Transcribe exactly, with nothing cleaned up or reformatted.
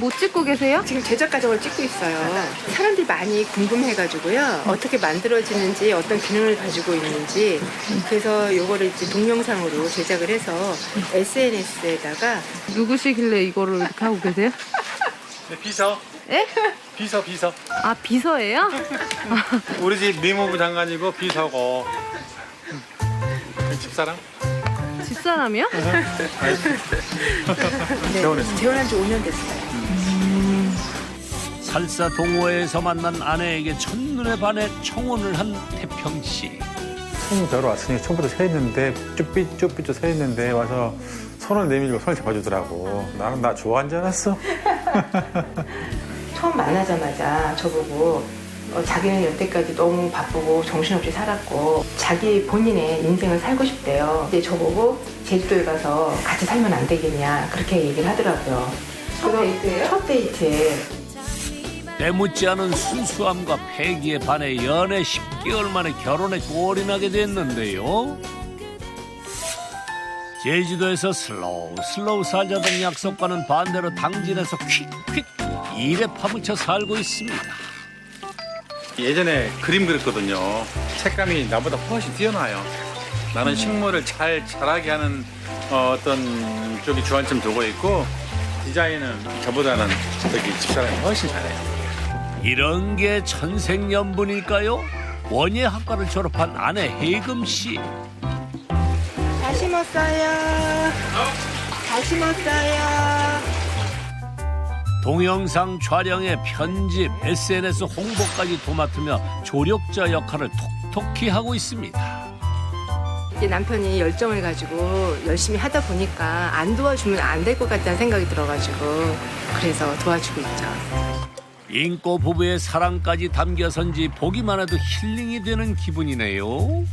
뭐 찍고 계세요? 지금 제작 과정을 찍고 있어요. 사람들이 많이 궁금해가지고요. 어떻게 만들어지는지, 어떤 기능을 가지고 있는지. 그래서 요거를 이제 동영상으로 제작을 해서 에스엔에스에다가. 누구시길래 이거를 이렇게 하고 계세요? 네, 비서. 예? 비서 비서. 아, 비서예요? 우리 집 미모부 장관이고 비서고. 집사람? 집사람이요? 네, 재혼했어요. 재혼한 지 오 년 됐어요. 살사 동호회에서 만난 아내에게 첫눈에 반해 청혼을 한 태평 씨. 처음 뵈러 왔으니 처음부터 서 있는데 쭈삐쭈삐쭈 서 있는데 와서 손을 내밀고 손을 잡아주더라고. 나는 나 좋아한 줄 알았어. 처음 만나자마자 저보고 어, 자기는 여태까지 너무 바쁘고 정신없이 살았고 자기 본인의 인생을 살고 싶대요. 근데 저보고 제주도에 가서 같이 살면 안 되겠냐 그렇게 얘기를 하더라고요. 첫 데이트예요? 첫 데이트에. 때묻지 않은 순수함과 패기에 반해 연애 십 개월 만에 결혼에 골인하게 됐는데요. 제주도에서 슬로우 슬로우 살자던 약속과는 반대로 당진에서 퀵퀵 일에 파묻혀 살고 있습니다. 예전에 그림 그렸거든요. 색감이 나보다 훨씬 뛰어나요. 나는 식물을 잘 자라게 하는 어, 어떤 쪽이 주안점 두고 있고 디자인은 저보다는 저기 집사람이 훨씬 잘해요. 이런 게 천생연분일까요? 원예학과를 졸업한 아내 혜금 씨. 다 심었어요. 다 심었어요. 동영상 촬영에 편집, 에스엔에스 홍보까지 도맡으며 조력자 역할을 톡톡히 하고 있습니다. 이제 남편이 열정을 가지고 열심히 하다 보니까 안 도와주면 안 될 것 같다는 생각이 들어가지고 그래서 도와주고 있죠. 인꼬 부부의 사랑까지 담겨선지 보기만 해도 힐링이 되는 기분이네요.